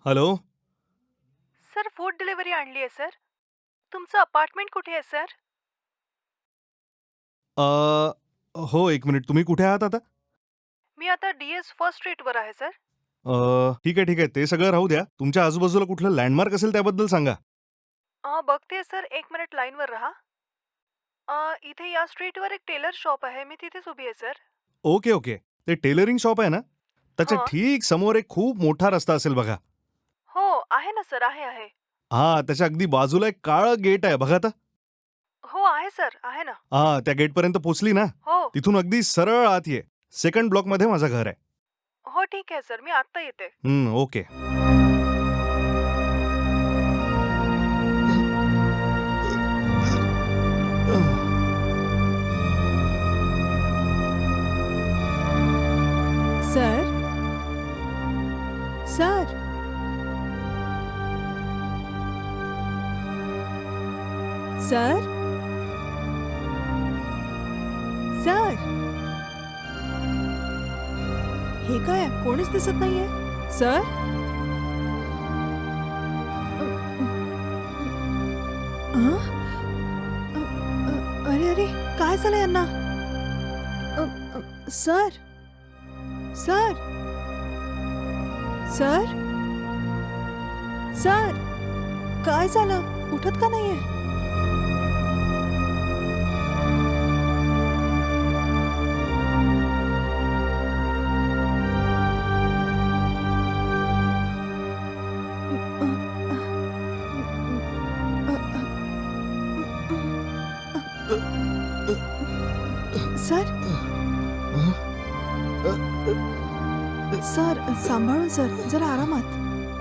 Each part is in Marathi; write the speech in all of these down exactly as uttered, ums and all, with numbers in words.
हॅलो. सर फूड डिलिव्हरी आणली आहे सर. तुमचं अपार्टमेंट कुठे आहे सर? अ, हो, एक मिनिट. तुम्ही कुठे आहात आता? मी आता डी-एस फर्स्ट स्ट्रीटवर आहे सर. अ, ठीक आहे, ठीक आहे. ते सगळं राहू द्या. तुमच्या आजूबाजूला कुठलं लँडमार्क असेल त्याबद्दल सांगा. अ, बघतेय सर, एक मिनिट लाईनवर राहा. अ, इथे या स्ट्रीटवर एक टेलर शॉप आहे. मी तिथेच उभी आहे सर. Okay, okay. ते टेलरिंग शॉप आहे ना? त्याच्या हां. ठीक समोर एक खूप मोठा रस्ता असेल बघा. हो, आहे ना सर, आहे, आहे. हां, त्याच्या अगदी बाजूला एक काळं गेट आहे बघा आता. हो, आहे सर, आहे ना. हां, त्या गेटपर्यंत पोहोचली ना, हो. तिथून अगदी सरळ आत ये. सेकंड ब्लॉकमध्ये माझं घर आहे. हो, ठीक आहे सर. मी आत्ता येते. हं, okay. Sir sir sir sir हे काय कोणीच दिसत नाहीये सर. अ, अ, अ, अरे अरे काय झालं यांना. अ, अ, सर सर सर सर काय झालं उठत का नाहीये. सर सर सांभाळून सर जरा आरामात.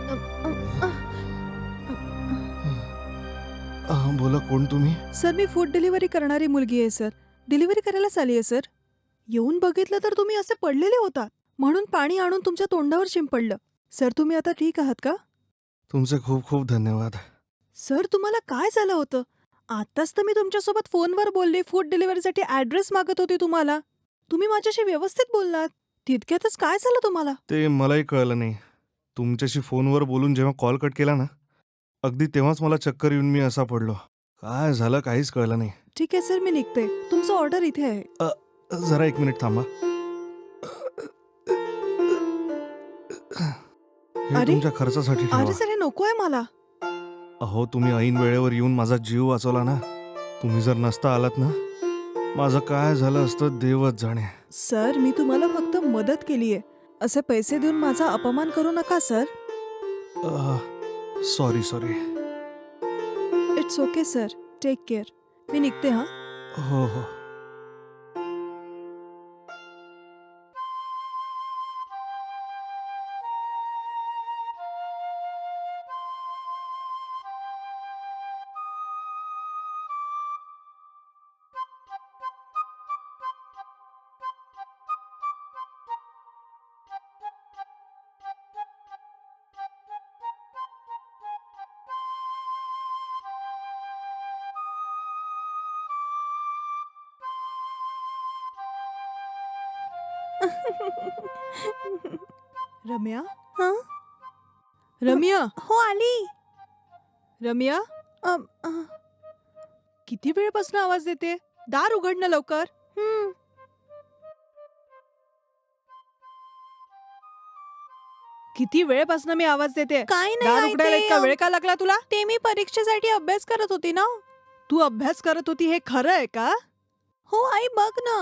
हां, बोला कोण तुम्ही? सर मी फूड डिलिव्हरी करणारी मुलगी आहे सर. डिलिव्हरी करायलाच आली आहे सर. येऊन बघितलं तर तुम्ही असे पडलेले होता म्हणून पाणी आणून तुमच्या तोंडावर शिंपडलं. सर तुम्ही आता ठीक आहात का? तुमचे खूप खूप धन्यवाद. सर तुम्हाला काय झालं होतं. आताच तर मी तुमच्यासोबत फोनवर बोलले. फूड डिलिव्हरीसाठी ॲड्रेस मागत होती तुम्हाला. तुम्ही माझ्याशी व्यवस्थित बोललात. तितक्यातच काय झालं तुम्हाला. ते मलाही कळलं नाही. तुमच्याशी फोनवर बोलून जेव्हा कॉल कट केला ना, अगदी तेव्हाच मला चक्कर येऊन मी असा पडलो. काय झालं काहीच कळलं नाही. ठीक आहे सर मी निघते. तुमचं ऑर्डर इथे आहे. अ, जरा एक मिनिट थांबा. हे अरे तुमच्या खर्चासाठी ठेवा. अरे सर हे नको आहे मला. अहो, तुम्ही ऐन वेळेवर येऊन माझा जीव वाचवला ना. तुम्ही जर नसता आलात ना, माझं काय झालं असतं देवच जाणे. सर मी तुम्हाला फक्त मदत केली आहे. असे पैसे देऊन माझा अपमान करू नका sir. Sorry sorry. It's okay sir. Take care. मी निघते हां. हो हो. रम्या हां रम्या हो आली. रम्या अ, अ, किती वेळपासून आवाज देते. दार उघड ना लवकर. हं. किती वेळपासून मी आवाज देते. काय नाही दार आई, उघडायला ते इतका अम, वेळ का लागला तुला. ते मी परीक्षेसाठी अभ्यास करत होती ना. तू अभ्यास करत होती हे खरं आहे का. हो आई बघ ना.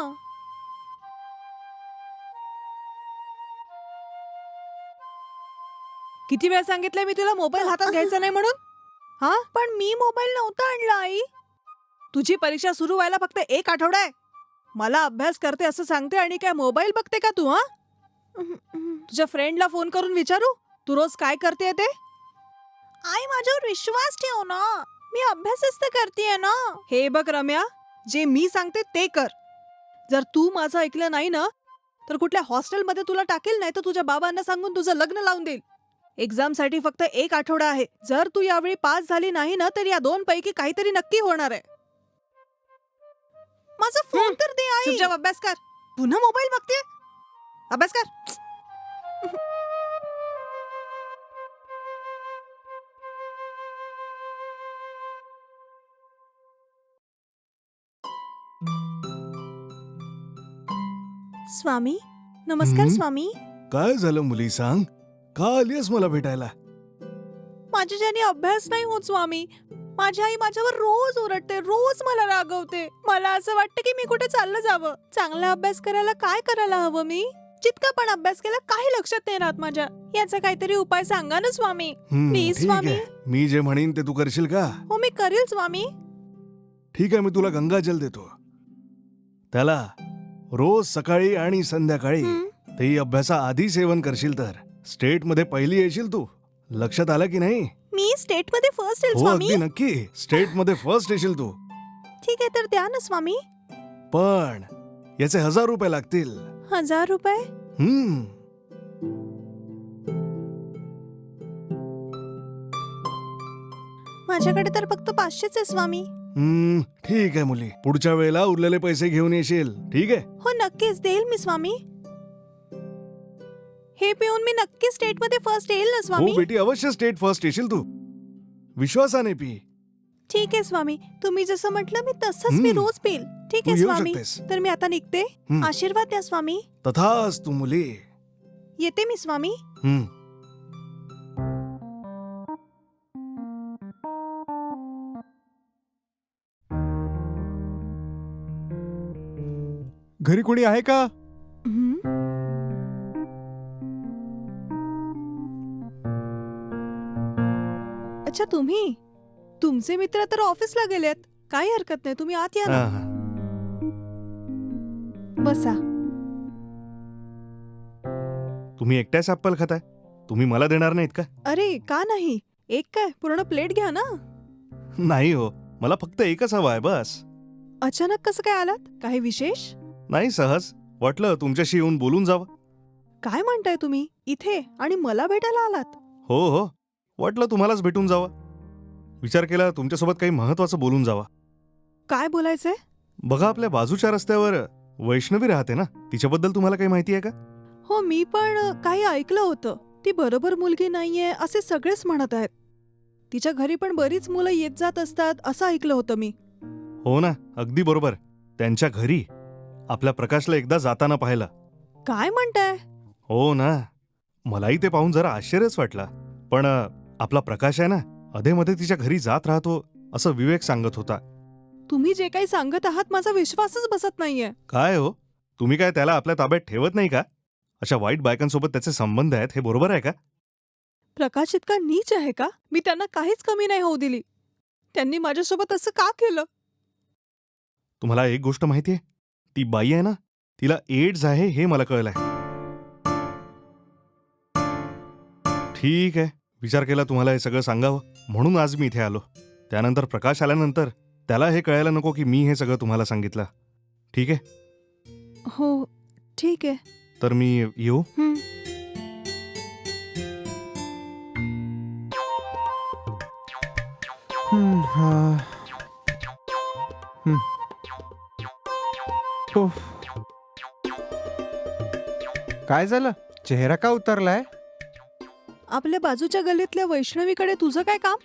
किती वेळ सांगितलंय मी तुला मोबाईल हातात घ्यायचा नाही म्हणून. हा पण मी मोबाईल नव्हता आणला आई. तुझी परीक्षा सुरू व्हायला फक्त एक आठवडा आहे. मला अभ्यास करते असं सांगते आणि काय मोबाईल बघते का तू. हा तुझ्या फ्रेंडला फोन करून विचारू तू रोज काय करते ते. आई माझ्यावर विश्वास ठेव ना. मी अभ्यासच तर करतेय ना. हे बघ रम्या, जे मी सांगते ते कर. जर तू माझं ऐकलं नाही ना तर कुठल्या हॉस्टेलमध्ये तुला टाकेल, नाही तर तुझ्या बाबांना सांगून तुझं लग्न लावून देईल. एक्झामसाठी फक्त एक आठवडा आहे. जर तू यावेळी पास झाली नाही ना तर या दोन पैकी काहीतरी नक्की होणार आहे. माझा फोन तर दे आई. चुपचाप अभ्यास कर. पुन्हा मोबाईल बघते. अभ्यास कर. स्वामी नमस्कार हं? स्वामी. काय झालं मुली, सांग. का आलीस मला भेटायला? माझ्याच्याने अभ्यास नाही होत स्वामी. माझी आई माझ्यावर रोज ओरडते, रोज मला रागवते. मला असं वाटतं की मी कुठे चाललं जावं. चांगला अभ्यास करायला काय करायला हवं मी? जितका पण अभ्यास केला काही लक्षात नाही राहत माझ्या. याचा काहीतरी उपाय सांगा ना स्वामी. हं, प्लीज ठीक स्वामी. आहे. मी जे म्हणेन ते तू करशील का? हो मी करेल स्वामी. ठीक आहे, मी तुला गंगाजल देतो. त्याला रोज सकाळी आणि संध्याकाळी, हं. तेही अभ्यासाआधी सेवन करशील तर स्टेट मध्ये पहिली येशील तू. लक्षात आलं की नाही? मी स्टेट मध्ये फर्स्ट येईल हो, स्वामी. अगदी नक्की. स्टेट मध्ये फर्स्ट येशील तू. ठीक आहे तर द्या ना स्वामी. पण याचे हजार रुपये लागतील. हजार रुपये. हम्म माझ्याकडे तर फक्त पाचशेच आहे स्वामी. हम्म ठीक आहे मुली, पुढच्या वेळेला उरलेले पैसे घेऊन येशील. ठीक आहे? हो नक्कीच देईल मी स्वामी. हे पिऊन मी नक्की स्टेट मध्ये फर्स्ट येईल ना हो स्वामी. बेटी, अवश्य स्टेट फर्स्ट येशील तू. विश्वासाने पी. ठीक आहे स्वामी, तुम्ही जसं म्हटलं मी तसंच मी हम्म. रोज पिल. ठीक तू आहे येऊ स्वामी. शकतेस. तर मी आता निघते. हम्म. आशीर्वाद द्या स्वामी. तथाच तू मुली. येते मी स्वामी. हम्म घरी कोणी आहे का? हम्म. अच्छा तुम्ही. तुमचे मित्र तर ऑफिसला गेलेत. काही हरकत नाही, तुम्ही आत या ना. हा, हा. बसा. तुम्ही एकट्याच ऍपल खाताय? तुम्ही मला देणार नाहीत का? अरे का नाही, एक काय पूर्ण प्लेट घ्या ना. नाही हो, मला फक्त एकच हवा आहे बस. अचानक कसं काय आलात? काही विशेष? नाही, सहज वाटलं तुमच्याशी येऊन बोलून जावं. काय म्हणताय तुम्ही इथे आणि मला भेटायला आलात? हो हो, वाटलं तुम्हालाच भेटून जावं. विचार केला तुमच्यासोबत काही महत्वाचं बोलून जावा. काय बोलायचंय? बघा, आपल्या बाजूच्या रस्त्यावर वैष्णवी राहते ना, तिच्याबद्दल तुम्हाला काही माहिती आहे का? हो मी पण काही ऐकलं होतं. ती बरोबर मुलगी नाहीये असे सगळेच म्हणत आहेत. तिच्या घरी पण बरीच मुलं येत जात असतात असं ऐकलं होतं मी. हो ना, अगदी बरोबर. त्यांच्या घरी आपल्या प्रकाशला एकदा जाताना पाहिलं. काय म्हणताय? हो ना, मलाही ते पाहून जरा आश्चर्यच वाटला. पण अ, आपला प्रकाश आहे ना, अधेमध्ये तिच्या घरी जात राहतो असं विवेक सांगत होता. तुम्ही जे काही सांगत आहात माझा विश्वासच बसत नाहीये. काय हो, तुम्ही काय त्याला आपल्या ताब्यात ठेवत नाही का? अशा वाईट बायकांसोबत त्याचे संबंध आहेत, हे बरोबर आहे का? प्रकाश इतका नीच आहे का? मी त्यांना काहीच कमी नाही होऊ दिली. त्यांनी माझ्यासोबत असं का केलं? तुम्हाला एक गोष्ट माहिती आहे? ती बाई आहे ना, तिला एड्स आहे हे मला कळलंय. ठीक आहे, विचार केला तुम्हाला हे सगळं सांगावं म्हणून आज मी इथे आलो. त्यानंतर प्रकाश आल्यानंतर त्याला हे कळायला नको की मी हे सगळं तुम्हाला सांगितलं. ठीक आहे? हो ठीक आहे. तर मी येऊ? हं. हम्म, हा. हम्म. उफ. काय झालं? चेहरा का उतरलाय? आपल्या बाजूच्या गल्लीतल्या वैष्णवीकडे तुझं काय काम?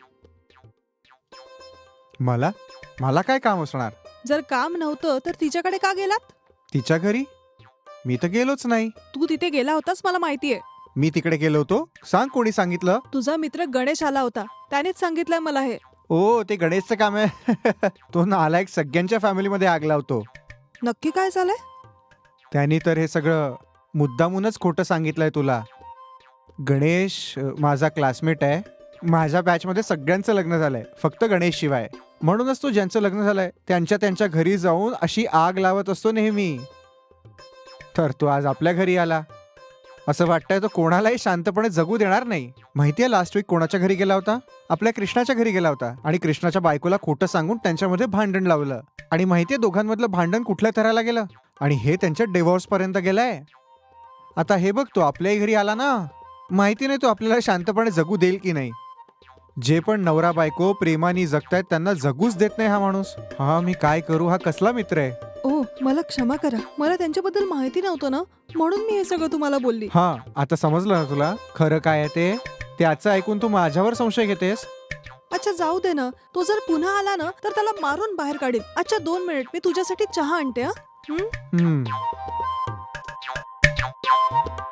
मला मला काय काम असणार? जर काम नव्हतं तर तिच्याकडे का गेलात? तिच्या घरी मी तर गेलोच नाही. तू तिथे गेला होतास मला माहितीये. मी तिकडे गेलो होतो? सांग, कोणी सांगितलं? तुझा मित्र गणेश आला होता, त्यानेच सांगितलंय मला हे. ओ, ते गणेशचं काम आहे. तो नालायक सगळ्यांच्या फॅमिलीमध्ये आग लावतो. नक्की काय झालंय? त्यांनी तर हे सगळं मुद्दामूनच खोटं सांगितलंय तुला. गणेश अ, माझा क्लासमेट आहे. माझ्या बॅचमध्ये सगळ्यांचं लग्न झालंय, फक्त गणेश शिवाय. म्हणूनच तो ज्यांचं लग्न झालंय त्यांच्या त्यांच्या घरी जाऊन अशी आग लावत असतो नेहमी. तर तो आज आपल्या घरी आला. असं वाटतंय तो कोणालाही शांतपणे जगू देणार नाही. माहितीये लास्ट वीक कोणाच्या घरी गेला होता? आपल्या कृष्णाच्या घरी गेला होता आणि कृष्णाच्या बायकोला खोटं सांगून त्यांच्यामध्ये भांडण लावलं. आणि माहितीये दोघांमधलं भांडण कुठल्या थराला गेलं? आणि हे त्यांच्या डिव्होर्स पर्यंत गेलंय. आता हे बघ, तो आपल्याही घरी आला ना. माहिती नाही तो आपल्याला शांतपणे जगू देईल की नाही. जे पण नवरा बायको प्रेमाने जगतायत त्यांना जगूच देत नाही हा माणूस. हा मी काय करू? हा कसला मित्र आहे? ओ मला क्षमा करा, मला त्यांच्याबद्दल माहिती नव्हतं ना, म्हणून मी हे सगळं तुम्हाला बोलली. हा, आता समजलं ना तुला खरं काय आहे ते? त्याचं ऐकून तू माझ्यावर संशय घेतेस? अच्छा जाऊ दे ना, तो जर पुन्हा आला ना तर त्याला मारून बाहेर काढील. अच्छा दोन मिनिट, मी तुझ्यासाठी चहा आणते. हा. हम्म